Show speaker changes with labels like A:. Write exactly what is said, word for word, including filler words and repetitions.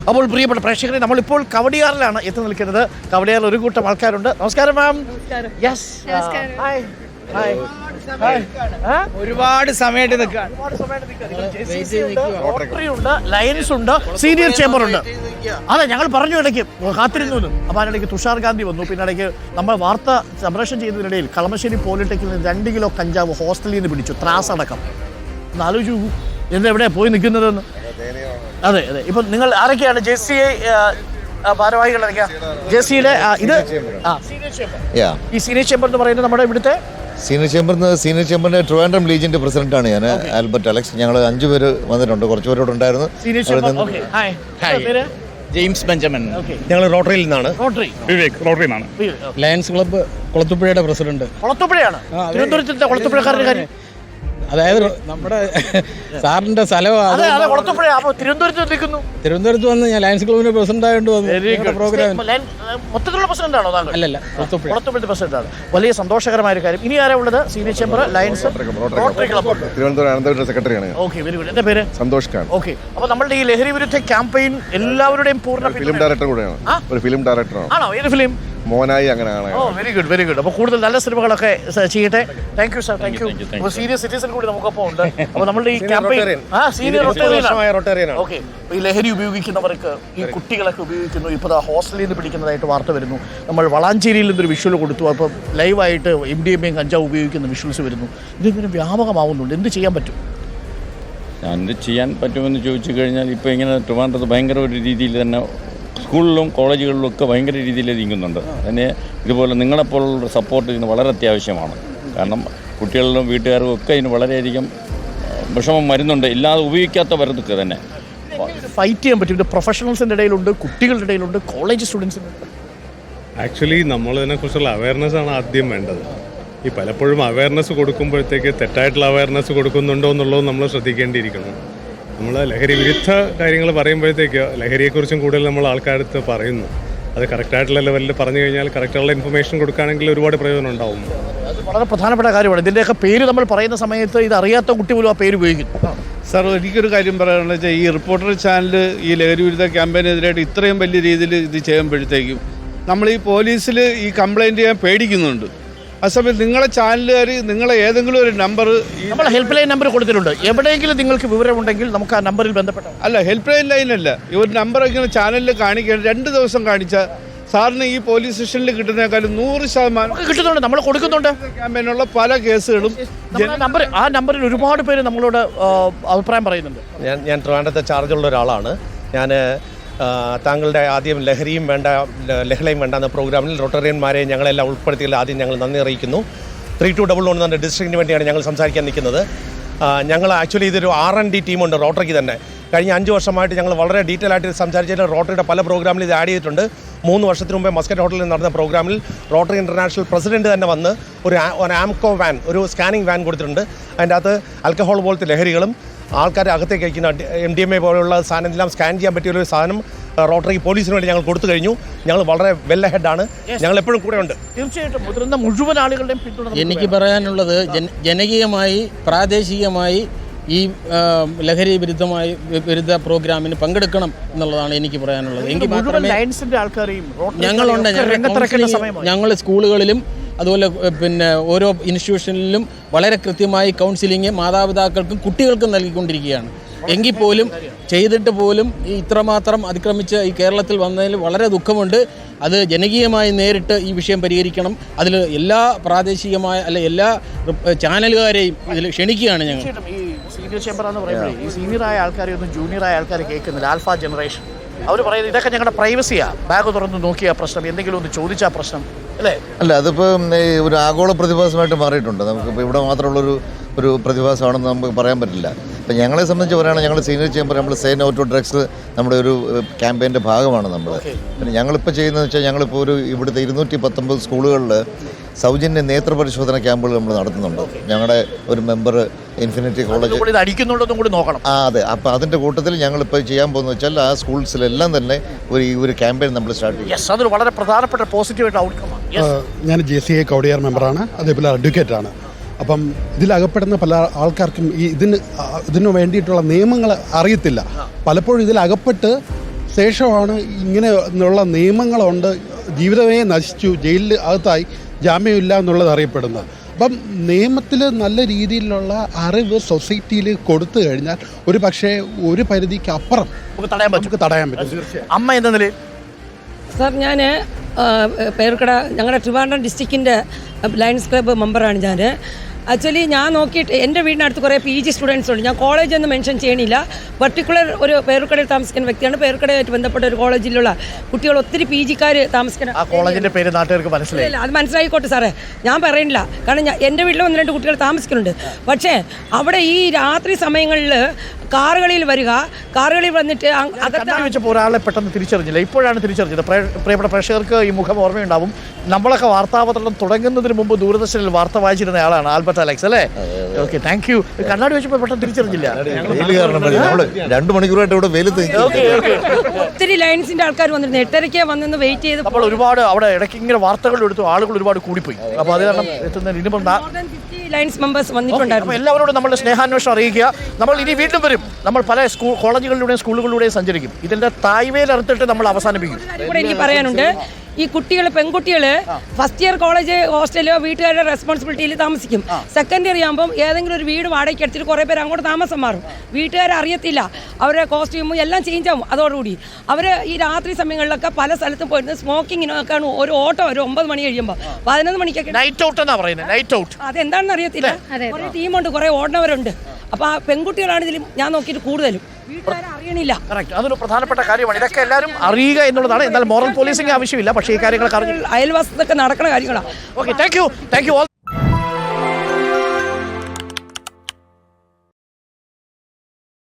A: അപ്പോൾ പ്രിയപ്പെട്ട പ്രേക്ഷകരെ, നമ്മളിപ്പോൾ കവടിയാറിലാണ് എത്തി നിൽക്കുന്നത്. കവടിയാറിൽ ഒരു കൂട്ടം ആൾക്കാരുണ്ട്. നമസ്കാരം ma'am. Yes, hi hi hi.
B: ഒരുപാട് സമയമായിട്ട് നിൽക്കുകയാണ്.
A: റോട്ടറി ഉണ്ട്, ലയൻസ് ഉണ്ട്, സീനിയർ ചേംബർ ഉണ്ട്. അതെ, ഞങ്ങൾ പറഞ്ഞു ഇടയ്ക്ക് കാത്തിരുന്നു. അപ്പോൾ അതിനിടയ്ക്ക് തുഷാർ ഗാന്ധി വന്നു. പിന്നെ ഇടയ്ക്ക് നമ്മൾ വാർത്ത സംപ്രേഷണം ചെയ്യുന്നതിനിടയിൽ കളമശ്ശേരി പോളിടെക്നിക്കിൽ നിന്ന് രണ്ട് കിലോ കഞ്ചാവ് ഹോസ്റ്റലിൽ നിന്ന് പിടിച്ചു, ത്രാസ് അടക്കം. ഒന്ന് ആലോചിച്ചു എന്തെവിടെയാണ് പോയി നിൽക്കുന്നതെന്ന്. അതെ അതെ. ഇപ്പം നിങ്ങൾ ആരൊക്കെയാണ് ജെ സി ഐ ഭാരവാഹികൾ? ജെ സിയുടെ ഇത് ഈ സീനിയർ ചേംബർ എന്ന് പറയുന്നത് നമ്മുടെ ഇവിടുത്തെ
C: സീനിയർ ചേംബർ സീനിയർ ചേംബറിന്റെ ട്രിവാൻഡ്രം ലീജിന്റെ പ്രസിഡന്റാണ് ഞാൻ, ആൽബർട്ട് അലക്സ്. ഞങ്ങൾ അഞ്ചു പേര് വന്നിട്ടുണ്ട്, കുറച്ചുപേരോട് ഉണ്ടായിരുന്നു.
B: James Benjamin.
D: ഞങ്ങൾ റോട്ടറിയിൽ നിന്നാണ്.
A: റോട്ടറി
B: വിവേക് റോട്ടറിയിൽ നിന്നാണ്.
D: ലയൺസ് ക്ലബ്ബ് കുളത്തുപുഴയുടെ പ്രസിഡന്റ്.
A: കുളത്തുപുഴയാണ് തിരുവനന്തപുരത്തിന്റെ കുളത്തുപുഴക്കാരുടെ കാര്യം.
D: അതായത് നമ്മുടെ സാറിന്റെ സ്ഥലമാണ്
A: തിരുവനന്തപുരത്ത് നിൽക്കുന്നു.
D: തിരുവനന്തപുരത്ത് വന്ന് ഞാൻ ലയൺസ് ക്ലബിന്റെ പ്രസിഡന്റ് ആയിട്ട് വന്നു പ്രോഗ്രാം.
A: മൊത്തത്തിലുള്ള പ്രസിഡന്റാണോ താങ്കൾ?
D: അല്ലല്ല,
A: കുളത്തുപുഴത്തെ പ്രസിഡന്റാണ്. വലിയ സന്തോഷകരമായ ഒരു കാര്യം. ഇനി ആരാ ഉള്ളത്? Senior chamber, Lions, Rotary club.
C: Thiruvananthapuram Ananthapuram സെക്രട്ടറിയാണ്.
A: Okay, very good. എന്റെ പേര്
C: സന്തോഷ് ഖാൻ.
A: ഓക്കെ. അപ്പോൾ നമ്മുടെ ഈ ലഹരി വിരുദ്ധ ക്യാമ്പയിൻ എല്ലാവരുടെയും പൂർണ്ണ
C: ഫിലിം ഡയറക്ടർ കൂടെയാണ്. ഒരു ഫിലിം ഡയറക്ടറാണ്.
A: ആണോ? ഏത് ഫിലിം?
C: മോനായി. അങ്ങനെ കാണാൻ.
A: Oh, very good very good. അപ്പോൾ കൂടുതൽ നല്ല സിനിമകളൊക്കെ ചെയ്യട്ടെ. Thank you sir, thank you. അപ്പോൾ സീനിയർ സിറ്റിസൺ കൂടി നമുക്കൊപ്പം ഉണ്ട്. അപ്പോൾ നമ്മളുടെ ഈ ക്യാമ്പയിൻ ആ സീനിയർ റോട്ടേറിയൻ. ഓക്കെ. ഈ ലഹരി ഉപയോഗിക്കുന്നവർക്ക്, ഈ കുട്ടികളൊക്കെ ഉപയോഗിക്കുന്നു. ഇപ്പോൾ ഹോസ്റ്റലിൽ നിന്ന് പിടിക്കുന്നതായിട്ട് വാർത്ത വരുന്നു. നമ്മൾ വളാഞ്ചേരിയിൽ നിന്നൊരു വിഷ്വൽ കൊടുത്തു. അപ്പോൾ ലൈവായിട്ട് എം ഡി എം എയും കഞ്ചാവ് ഉപയോഗിക്കുന്ന വിഷ്വൽസ് വരുന്നു. ഇതിങ്ങനെ വ്യാപകമാവുന്നുണ്ട്. എന്ത് ചെയ്യാൻ പറ്റും?
E: എന്ത് ചെയ്യാൻ പറ്റുമെന്ന് ചോദിച്ചു കഴിഞ്ഞാൽ ഇപ്പോൾ ഇങ്ങനെ ട്രിവാൻഡ്രത്ത് ഭയങ്കര ഒരു രീതിയിൽ തന്നെ സ്കൂളിലും കോളേജുകളിലും ഒക്കെ ഭയങ്കര രീതിയിൽ നീങ്ങുന്നുണ്ട്. അതിന് ഇതുപോലെ നിങ്ങളെപ്പോലുള്ള സപ്പോർട്ട് ഇതിന് വളരെ അത്യാവശ്യമാണ്. കാരണം കുട്ടികളിലും വീട്ടുകാരും ഒക്കെ ഇതിന് വളരെയധികം വിഷമം വരുന്നുണ്ട്, ഇല്ലാതെ ഉപയോഗിക്കാത്തവർക്ക് തന്നെ
A: ഫൈറ്റ് ചെയ്യാൻ പറ്റും. ഇത് പ്രൊഫഷണൽസിൻ്റെ ഇടയിലുണ്ട്, കുട്ടികളുടെ ഇടയിലുണ്ട്, കോളേജ് സ്റ്റുഡൻസിനുണ്ട്.
F: ആക്ച്വലി നമ്മളതിനെക്കുറിച്ചുള്ള അവയർനെസ് ആണ് ആദ്യം വേണ്ടത്. ഈ പലപ്പോഴും അവയർനെസ് കൊടുക്കുമ്പോഴത്തേക്ക് തെറ്റായിട്ടുള്ള അവയർനെസ് കൊടുക്കുന്നുണ്ടോ എന്നുള്ളത് നമ്മൾ ശ്രദ്ധിക്കേണ്ടിയിരിക്കണം. നമ്മൾ ലഹരി വിരുദ്ധ കാര്യങ്ങൾ പറയുമ്പോഴത്തേക്ക് ലഹരിയെക്കുറിച്ചും കൂടുതൽ നമ്മൾ ആൾക്കാരടുത്ത് പറയുന്നു. അത് കറക്റ്റായിട്ടുള്ള ലെവലിൽ പറഞ്ഞു കഴിഞ്ഞാൽ കറക്റ്റായിട്ടുള്ള ഇൻഫർമേഷൻ കൊടുക്കുകയാണെങ്കിൽ ഒരുപാട് പ്രയോജനം ഉണ്ടാവും.
A: അത് വളരെ പ്രധാനപ്പെട്ട കാര്യമാണ്. ഇതിൻ്റെയൊക്കെ പേര് നമ്മൾ പറയുന്ന സമയത്ത് ഇത് അറിയാത്ത കുട്ടി പോലും ആ പേര് ഉപയോഗിക്കുന്നു.
G: സാർ, എനിക്കൊരു കാര്യം പറയാനുള്ളത് വെച്ചാൽ ഈ റിപ്പോർട്ടർ ചാനൽ ഈ ലഹരി വിരുദ്ധ ക്യാമ്പയിനെതിരായിട്ട് ഇത്രയും വലിയ രീതിയിൽ ഇത് ചെയ്യുമ്പോഴത്തേക്കും നമ്മൾ ഈ പോലീസിൽ ഈ കംപ്ലയിൻറ്റ് ചെയ്യാൻ പേടിക്കുന്നുണ്ട്. ആ സമയത്ത് നിങ്ങളെ ചാനലുകാർ നിങ്ങളെ ഏതെങ്കിലും ഒരു നമ്പർ,
A: നമ്മൾ ഹെൽപ്പ് ലൈൻ നമ്പർ കൊടുത്തിട്ടുണ്ട്. എവിടെയെങ്കിലും നിങ്ങൾക്ക് വിവരമുണ്ടെങ്കിൽ നമുക്ക് ആ നമ്പറിൽ ബന്ധപ്പെടാം.
G: അല്ല, ഹെൽപ്പ് ലൈൻ ലൈനല്ല, ഈ ഒരു നമ്പർ ഇങ്ങനെ ചാനലിൽ കാണിക്കാൻ രണ്ട് ദിവസം കാണിച്ചാൽ സാറിന് ഈ പോലീസ് സ്റ്റേഷനിൽ കിട്ടുന്നതിനേക്കാളും നൂറ് ശതമാനം
A: കിട്ടുന്നുണ്ട്. നമ്മൾ കൊടുക്കുന്നുണ്ട്.
G: ക്യാമ്പയിനുള്ള പല കേസുകളും
A: നമ്പർ ആ നമ്പറിൽ ഒരുപാട് പേര് നമ്മളോട് അഭിപ്രായം പറയുന്നുണ്ട്.
D: ഞാൻ ഞാൻ ട്രിവാൻഡ്രത്തെ ചാർജുള്ള ഒരാളാണ്. ഞാൻ താങ്കളുടെ ആദ്യം ലഹരിയും വേണ്ട ലഹളയും വേണ്ട എന്ന പ്രോഗ്രാമിൽ റോട്ടറിയന്മാരെ ഞങ്ങളെല്ലാം ഉൾപ്പെടുത്തിയതിൽ ആദ്യം ഞങ്ങൾ നന്ദി അറിയിക്കുന്നു. ത്രീ ടു ഡബിൾ വൺ എന്ന ഡിസ്ട്രിക്റ്റിന് വേണ്ടിയാണ് ഞങ്ങൾ സംസാരിക്കാൻ നിൽക്കുന്നത്. ഞങ്ങൾ ആക്ച്വലി ഇതൊരു ആർ എൻ ഡി ടീമുണ്ട് റോട്ടറിക്ക് തന്നെ. കഴിഞ്ഞ അഞ്ച് വർഷമായിട്ട് ഞങ്ങൾ വളരെ ഡീറ്റെയിൽ ആയിട്ട് സംസാരിച്ചിട്ട് റോട്ടറിയുടെ പല പ്രോഗ്രാമിൽ ഇത് ആഡ് ചെയ്തിട്ടുണ്ട്. മൂന്ന് വർഷത്തിന് മുമ്പേ മസ്കറ്റ് ഹോട്ടലിൽ നടന്ന പ്രോഗ്രാമിൽ റോട്ടറി ഇൻ്റർനാഷണൽ പ്രസിഡന്റ് തന്നെ വന്ന് ഒരു ഒരു ആംകോ വാൻ, ഒരു സ്കാനിങ് വാൻ കൊടുത്തിട്ടുണ്ട്. അതിൻ്റെ അകത്ത് ആൽക്കഹോൾ പോലത്തെ ലഹരികളും ആൾക്കാരെ അകത്തേക്ക് അയക്കുന്ന എം ഡി എം എ പോലുള്ള സാധനം എല്ലാം സ്കാൻ ചെയ്യാൻ പറ്റിയൊരു സാധനം റോട്ടറി പോലീസിന് വേണ്ടി ഞങ്ങൾ കൊടുത്തു കഴിഞ്ഞു. ഞങ്ങൾ വളരെ വെൽ ഹെഡാണ്. ഞങ്ങൾ എപ്പോഴും കൂടെ ഉണ്ട്.
A: തീർച്ചയായിട്ടും മുതിർന്ന മുഴുവൻ ആളുകളുടെയും പിന്തുണ.
D: എനിക്ക് പറയാനുള്ളത് ജനകീയമായി പ്രാദേശികമായി ഈ ലഹരി വിരുദ്ധമായി വിരുദ്ധ പ്രോഗ്രാമിന് പങ്കെടുക്കണം എന്നുള്ളതാണ് എനിക്ക് പറയാനുള്ളത്. എങ്കിൽ മാത്രമേ ഞങ്ങളുണ്ട് ഞങ്ങൾ സ്കൂളുകളിലും അതുപോലെ പിന്നെ ഓരോ ഇൻസ്റ്റിറ്റ്യൂഷനിലും വളരെ കൃത്യമായി കൗൺസിലിംഗ് മാതാപിതാക്കൾക്കും കുട്ടികൾക്കും നൽകിക്കൊണ്ടിരിക്കുകയാണ്. എങ്കിൽ പോലും ചെയ്തിട്ട് പോലും ഈ ഇത്രമാത്രം അതിക്രമിച്ച് ഈ കേരളത്തിൽ വന്നതിൽ വളരെ ദുഃഖമുണ്ട്. അത് ജനകീയമായി നേരിട്ട് ഈ വിഷയം പരിഹരിക്കണം. അതിൽ എല്ലാ പ്രാദേശികമായ അല്ലെ എല്ലാ ചാനലുകാരെയും ഇതിൽ ക്ഷണിക്കുകയാണ് ഞങ്ങൾ.
A: ഈ സീനിയർ ചേംബർ എന്ന് പറയുമ്പോൾ ഈ സീനിയറായ ആൾക്കാരെ ഒന്നും ജൂനിയറായ ആൾക്കാരെ കേൾക്കുന്നില്ല. ആൽഫ ജനറേഷൻ അവർ പറയുന്നത് ഇതൊക്കെ ഞങ്ങളുടെ പ്രൈവസിയാണ്. ബാഗ് തുറന്ന് നോക്കിയ പ്രശ്നം, എന്തെങ്കിലും ഒന്ന് ചോദിച്ചാൽ പ്രശ്നം അല്ലേ?
C: അല്ല, അതിപ്പോൾ ഒരു ആഗോള പ്രതിഭാസമായിട്ട് മാറിയിട്ടുണ്ട്. നമുക്കിപ്പോൾ ഇവിടെ മാത്രമുള്ളൊരു ഒരു പ്രതിഭാസമാണെന്ന് നമുക്ക് പറയാൻ പറ്റില്ല. ഇപ്പം ഞങ്ങളെ സംബന്ധിച്ച് പറയുകയാണെങ്കിൽ ഞങ്ങൾ സീനിയർ ചേംബർ നമ്മൾ സേ നോ ടു ഡ്രഗ്സ് നമ്മുടെ ഒരു ക്യാമ്പയിൻ്റെ ഭാഗമാണ് നമ്മൾ. പിന്നെ ഞങ്ങളിപ്പോൾ ചെയ്യുന്നതെന്ന് വെച്ചാൽ ഞങ്ങളിപ്പോൾ ഒരു ഇവിടുത്തെ ഇരുന്നൂറ്റി പത്തൊമ്പത് സ്കൂളുകളിൽ സൗജന്യ നേത്ര പരിശോധന ക്യാമ്പുകൾ നമ്മൾ നടത്തുന്നുണ്ട്. ഞങ്ങളുടെ ഒരു മെമ്പർ ഇൻഫിനിറ്റി കോളേജ്
A: അടിക്കുന്നുണ്ടെന്നും കൂടി നോക്കണം.
C: ആ അതെ. അപ്പോൾ അതിൻ്റെ കൂട്ടത്തിൽ ഞങ്ങളിപ്പോൾ ചെയ്യാൻ പോകുന്നത് വെച്ചാൽ ആ സ്കൂൾസിലെല്ലാം തന്നെ ഒരു ഈ ഒരു ക്യാമ്പയിൻ നമ്മൾ സ്റ്റാർട്ട് ചെയ്യും.
A: അതൊരു വളരെ പ്രധാനപ്പെട്ട പോസിറ്റീവായിട്ട് ഔട്ട്കമാണ്.
H: ഞാൻ ജെ സി ഐ കവടിയാർ മെമ്പറാണ്, അതേപോലെ അഡ്വക്കേറ്റാണ്. അപ്പം ഇതിലകപ്പെടുന്ന പല ആൾക്കാർക്കും ഈ ഇതിന് ഇതിനു വേണ്ടിയിട്ടുള്ള നിയമങ്ങൾ അറിയത്തില്ല. പലപ്പോഴും ഇതിലകപ്പെട്ട് ശേഷമാണ് ഇങ്ങനെ ഉള്ള നിയമങ്ങളുണ്ട്, ജീവിതമേ നശിച്ചു, ജയിലിൽ അകത്തായി, ജാമ്യമില്ല എന്നുള്ളത് അറിയപ്പെടുന്നത്. അപ്പം നിയമത്തിൽ നല്ല രീതിയിലുള്ള അറിവ് സൊസൈറ്റിയിൽ കൊടുത്തു കഴിഞ്ഞാൽ ഒരു പക്ഷേ ഒരു പരിധിക്ക് അപ്പുറം
A: നമുക്ക് തടയാൻ പറ്റും.
H: നമുക്ക് തടയാൻ പറ്റും.
A: അമ്മ എന്ന നിലയിൽ
I: സാർ, ഞാൻ പേർക്കട ഞങ്ങളുടെ ട്രിവാൻഡ്രം ഡിസ്ട്രിക്റ്റിൻ്റെ ലയൺസ് ക്ലബ്ബ് മെമ്പറാണ് ഞാൻ. ആക്ച്വലി ഞാൻ നോക്കിയിട്ട് എൻ്റെ വീടിനടുത്ത് കുറേ പി ജി സ്റ്റുഡൻസ് ഉണ്ട്. ഞാൻ കോളേജ് ഒന്നും മെൻഷൻ ചെയ്യണില്ല. പർട്ടിക്കുലർ ഒരു പേരുക്കടയിൽ താമസിക്കുന്ന വ്യക്തിയാണ്. പേരുക്കടയായിട്ട് ബന്ധപ്പെട്ട ഒരു കോളേജിലുള്ള കുട്ടികൾ ഒത്തിരി പി ജിക്കാർ താമസിക്കുന്ന
A: ആ കോളേജിന്റെ പേര് നാട്ടുകാർക്ക് മനസ്സിലായി.
I: ഇല്ല, അത് മനസ്സിലായിക്കോട്ടെ സാറേ, ഞാൻ പറയണില്ല. കാരണം ഞാൻ എൻ്റെ വീട്ടിൽ ഒന്ന് രണ്ട് കുട്ടികൾ താമസിക്കുന്നുണ്ട്. പക്ഷേ അവിടെ ഈ രാത്രി സമയങ്ങളിൽ കാറുകളിൽ വരിക, കാറുകളിൽ വന്നിട്ട് അകത്ത്
A: കണ്ണാടി വെച്ചപ്പോൾ ഒരാളെ പെട്ടെന്ന് തിരിച്ചറിഞ്ഞില്ല, ഇപ്പോഴാണ് തിരിച്ചറിഞ്ഞത്. പ്രേ- പ്രിയപ്പെട്ട പ്രേക്ഷകർക്ക് ഈ മുഖം ഓർമ്മയുണ്ടാവും. നമ്മളൊക്കെ വാർത്താപത്രം തുടങ്ങുന്നതിന് മുമ്പ് ദൂരദർശനിൽ വാർത്ത വായിച്ചിരുന്ന ആളാണ് ആൽബർട്ട് അലക്സ് അല്ലേ? Okay, thank you. കണ്ണാടി വെച്ചപ്പോൾ പെട്ടെന്ന് തിരിച്ചറിഞ്ഞില്ല.
C: വെയിൽ കാരണം നമ്മൾ രണ്ട് മണിക്കൂറായിട്ട് ഇവിടെ വെയിലത്ത്
A: ഓക്കെ ഓക്കെ.
I: ഒത്തിരി ലൈൻസിൻ്റെ ആൾക്കാർ വന്നിരുന്നു. എട്ടരയ്ക്ക് വന്നെന്ന് വെയിറ്റ് ചെയ്ത്
A: നമ്മൾ ഒരുപാട് അവിടെ ഇടയ്ക്ക് ഇങ്ങനെ വാർത്തകൾ എടുത്തു, ആളുകൾ ഒരുപാട് കൂടിപ്പോയി. അപ്പോൾ അത് കാരണം എത്തുന്നതിന് ഇനിയിപ്പം നാ-
I: more than fifty Lions members വന്നിട്ടുണ്ടായിരുന്നു.
A: അപ്പോൾ എല്ലാവരോടും നമ്മുടെ സ്നേഹാന്വേഷണം അറിയിക്കുക. നമ്മൾ ഇനി വീണ്ടും വരും. നമ്മൾ പല സ്കൂൾ കോളേജുകളിലൂടെയും സ്കൂളുകളിലൂടെയും സഞ്ചരിക്കും. ഇതിന്റെ തായ്വേൽ അറുത്തിട്ട് നമ്മൾ അവസാനിപ്പിക്കും.
I: കാര്യം കൂടെ എനിക്ക് പറയാനുണ്ട്. ഈ കുട്ടികൾ, പെൺകുട്ടികൾ ഫസ്റ്റ് ഇയർ കോളേജ് ഹോസ്റ്റലോ വീട്ടുകാരുടെ റെസ്പോൺസിബിലിറ്റിയിൽ താമസിക്കും. സെക്കൻഡ് ഇയർ ആകുമ്പം ഏതെങ്കിലും ഒരു വീട് വാടകയ്ക്ക് എടുത്തിട്ട് കുറേ പേര് അങ്ങോട്ട് താമസം മാറും. വീട്ടുകാർ അറിയത്തില്ല, അവരുടെ കോസ്റ്റ്യൂമും എല്ലാം ചേഞ്ച് ആവും. അതോടുകൂടി അവർ ഈ രാത്രി സമയങ്ങളിലൊക്കെ പല സ്ഥലത്തും പോയിരുന്നത് സ്മോക്കിങ്ങിനൊക്കെ ഒരു ഓട്ടോ ഒരു ഒമ്പത് മണി കഴിയുമ്പോൾ പതിനൊന്ന് മണിക്കൊക്കെ
A: നൈറ്റ് ഔട്ട് എന്നാ പറയുന്നത്. നൈറ്റ് ഔട്ട്
I: അതെന്താണെന്ന് അറിയത്തില്ല. കുറേ ടീമുണ്ട്, കുറേ ഓടുന്നവരുണ്ട്. അപ്പോൾ ആ പെൺകുട്ടികളാണ് ഇതിൽ ഞാൻ നോക്കിയിട്ട് കൂടുതലും. വീട്ടുകാരെ അറിയണില്ല.
A: കറക്റ്റ്, അതൊരു പ്രധാനപ്പെട്ട കാര്യമാണ്. ഇതൊക്കെ എല്ലാവരും അറിയുക എന്നുള്ളതാണ്. എന്നാൽ മോറൽ പോലീസിംഗ് ആവശ്യമില്ല, പക്ഷേ ഈ കാര്യങ്ങളൊക്കെ അറിഞ്ഞു.
I: അയൽവാസത്തൊക്കെ നടക്കുന്ന കാര്യങ്ങളാണ്.
A: Okay, thank you thank you all.